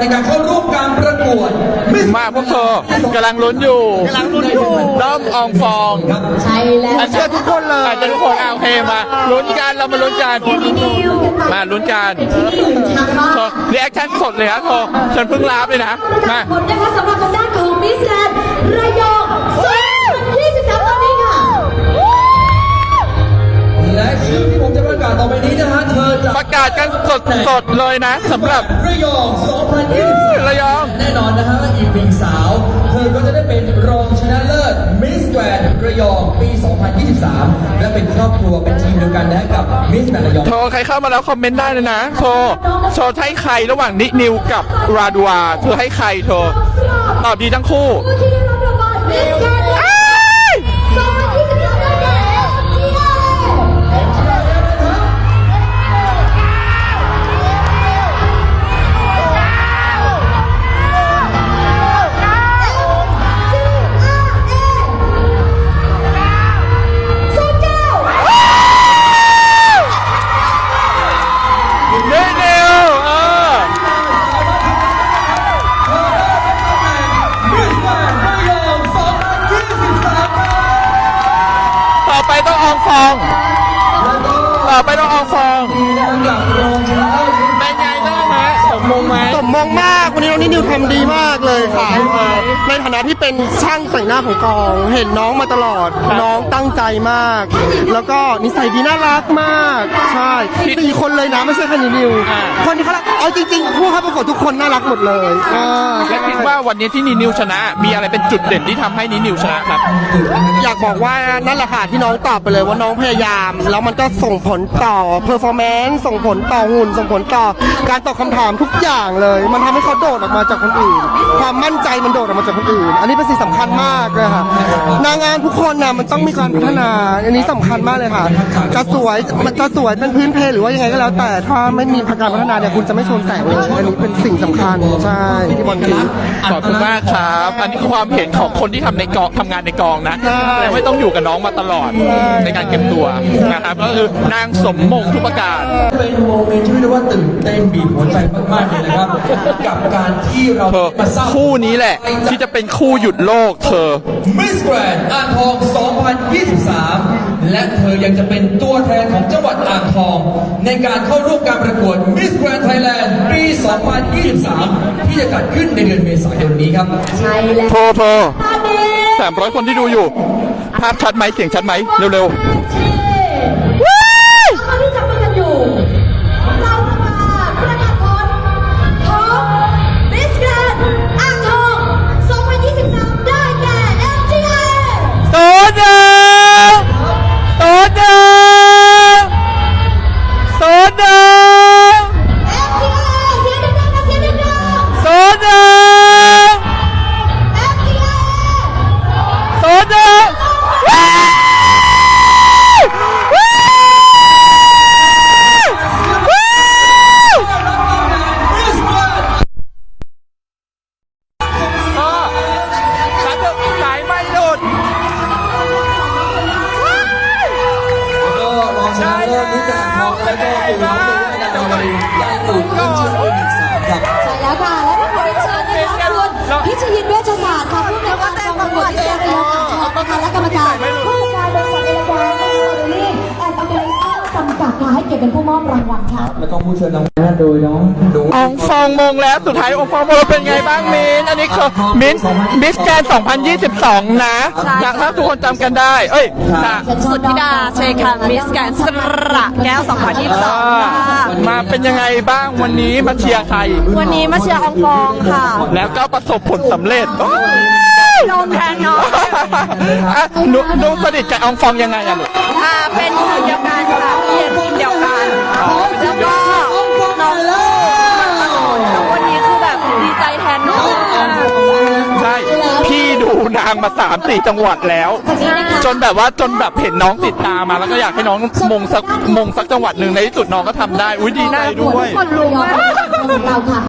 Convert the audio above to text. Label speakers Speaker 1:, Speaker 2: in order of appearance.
Speaker 1: การเข้าร่วมการประกวด
Speaker 2: มาพวกเธอกำลังลุ้นอยู่ด้อมอองฟอง
Speaker 3: ใช่แล้ว
Speaker 2: อาจจะทุกคนเลยอาจจะทุกคนโอเคมาลุ้นกันเรามาลุ้นกันมาลุ้นกันโชว์รีแอคชั่นสดเลยครับโชว์ฉันเพิ่งรับเลยนะมา
Speaker 3: ผลนะคะสำหรับทางด้านของมิสแกรนด์ระยอง2023ตอนนี้ค่ะ
Speaker 1: และชื่อที่ผมจะประกาศต่อไปนี้นะฮะเธอจะ
Speaker 2: ประกาศกันสดเลยนะสำหรับ
Speaker 1: ระยอง2023
Speaker 2: ระยอง
Speaker 1: แน่นอนนะฮะอีกหนึ่งสาวเธอก็จะได้เป็นรองชนะเลิศมิสแกรนด์ระยองปี 2023 และเป็นครอบครัวเป็นทีมเดียวกันนะกับมิสแกรนด์ระยอง
Speaker 2: โทรใครเข้ามาแล้วคอมเมนต์ได้เลยนะโทรให้ใครระหว่างนินิวกับราดัวเธอให้ใครโทรตอบดีทั้งคู่
Speaker 3: ผู้ที่ได้รับรางวัลมิสแกรนด์2023ได้แก่
Speaker 2: นินิวต่อไปต้องอองฟองเป็นไงได้ไหมสมมงไหม
Speaker 4: สมมองมากวันนี้น้องนิวทำดีมากเลยค่ะในฐานะที่เป็นช่างแต่งหน้าของกอง เห็นน้องมาตลอดน้องตั้งใจมาก แล้วก็นิสัยดีน่ารักมากใช่4 คนเลยนะไม่ใช่แค่นิวคนที่เขารักเอาจริงๆผู้เข้าประกวดทุกคนน่ารักหมดเลย
Speaker 2: และคิดว่าวันนี้ที่นินิวชนะมีอะไรเป็นจุดเด่นที่ทำให้นินิวชนะครับ
Speaker 4: อยากบอกว่านั่นแหละค่ะที่น้องตอบไปเลยว่าน้องพยายาม แล้วมันก็ส่งผลต่อเพอร์ฟอร์แมนซ์ส่งผลต่อหุ่นส่งผลต่อการตอบคำถามทุกอย่างเลย มันทำให้เขาโดดออกมาจากคนอื่น ความมั่นใจมันโดดออกมาจากคนอื่น อันนี้เป็นสิ่งสำคัญมากเลยค่ะนางงามทุกคนน่ะมันต้องมีการพัฒนาอันนี้สำคัญมากเลยค่ะจะสวยมันจะสวยเป็นพื้นเพหรือว่ายังไงก็แล้ว แต่ถ้าไม่มีการพัฒนาเนี่ยคุณจะไม่ชนแสงเลยอันนี้เป็นสิ่งสำคัญใช่ที่บอลคิด
Speaker 2: ขอบคุณมากครับอันนี้คือความเห็นของคนที่ทำในกองทำงานในกองนะ
Speaker 4: ใช่
Speaker 2: แต่ไม่ต้องอยู่กับน้องมาตลอดในการเก็บตัวนะครับก็คือนางสมมงทุกประการ
Speaker 1: เป็นโมเมนต์ที่เรียกว่าตื่นเต้นบีบหัวใจมากๆเลยนะครับ กับการที่เรา
Speaker 2: เธอ
Speaker 1: มาสร้าง
Speaker 2: คู่นี้แหละ ที่จะเป็นคู่หยุดโลกเธอ
Speaker 1: มิสแกรนด์อ่างทอง 2023 และเธอยังจะเป็นตัวแทนของจังหวัดอ่างทอง ในการเข้าร่วมการประกวดมิสแกรนด์ไทยแลนด์ปี 2023 ที่จะจัดขึ้นในเดือนเมษายนนี้ครับ
Speaker 3: ใช่แล้ว
Speaker 2: โทร
Speaker 3: ตอนนี้
Speaker 2: 300 คนที่ดูอยู่ ภาพชัดไหมเสียงชัดไหมเร็ว
Speaker 3: ตอนที่จับมือกันอยู่เราจะมาประกาศผลของมิสแกรนด์อ่างทอง2023ได้แก่ MTA
Speaker 2: ๆตัวหนึ่งตัวหนึ่งตัวหนึ่ง
Speaker 3: MTA เสียงดังๆนะเสียงดัง
Speaker 2: ตัวหนึ่ง
Speaker 3: ๆ MTA
Speaker 2: ตัวหนึ่งสายไม่หลุด
Speaker 1: ก็รองชนะเลิศมิสแกรนด์อ่างทองและก็ปู่น้องเมย์ได้รางวัลใหญ่ตู่ขึ้นชื่อเป็น1 3ครับ
Speaker 3: ใช่แล้วค่ะ และผู้ขอเรียนเชิญนะคะคุณพิชยินเวชศาสตร์ค่ะผู้ในวยการกองประกวดมิสแกรนด์ระยองอ่างทองนะคะและกรรมการผู้จัดการบริษัทเอลกาแอนด์โอเดอรี่แอนด์ออร์แกไนเซอร์จำกัดค่ะให้เกียรติเป็นผู้มอบรางวัลค่ะ
Speaker 1: แล้วก็ผู้เชิญรางวัลโดยน้องหนู
Speaker 2: อองฟองมงแล้วสุดท้ายอองฟองมงเป็นไงบ้างมินอันนี้คือมิสแกรนด์2022 นะถ้าทุกคนจำกันได้เอ้ยค่ะ
Speaker 5: สุทธิดาเชยคันมิสแกรนด์สระแก้ว 2022 ค่ะ
Speaker 2: มาเป็นยังไงบ้างวันนี้มาเชียร์ใคร
Speaker 5: วันนี้มาเชียร์อองฟองค่ะ
Speaker 2: แล้วก็ประสบผลสำเร็จโอ้ย
Speaker 5: โดนแทนน้อง
Speaker 2: อ่ะหนูสนิทกับอองฟองยังไงอะลูก
Speaker 5: เป็นทีมเดียวกันค่ะทีมเดียวกัน แล้วก็น้องสู้มาตลอดแล้ววันนี้คือแบบดีใจแทนน้องมาก
Speaker 2: ใช่พี่ดูนางมา3-4 จังหวัดแล้ว จนแบบเห็นน้องติดตามมาแล้วก็อยากให้น้องมงสักจังหวัดหนึ่งในที่สุดน้องก็ทำได้อุ้ยดีใจด้วย
Speaker 5: คนรู้มาก
Speaker 3: เราค่ะ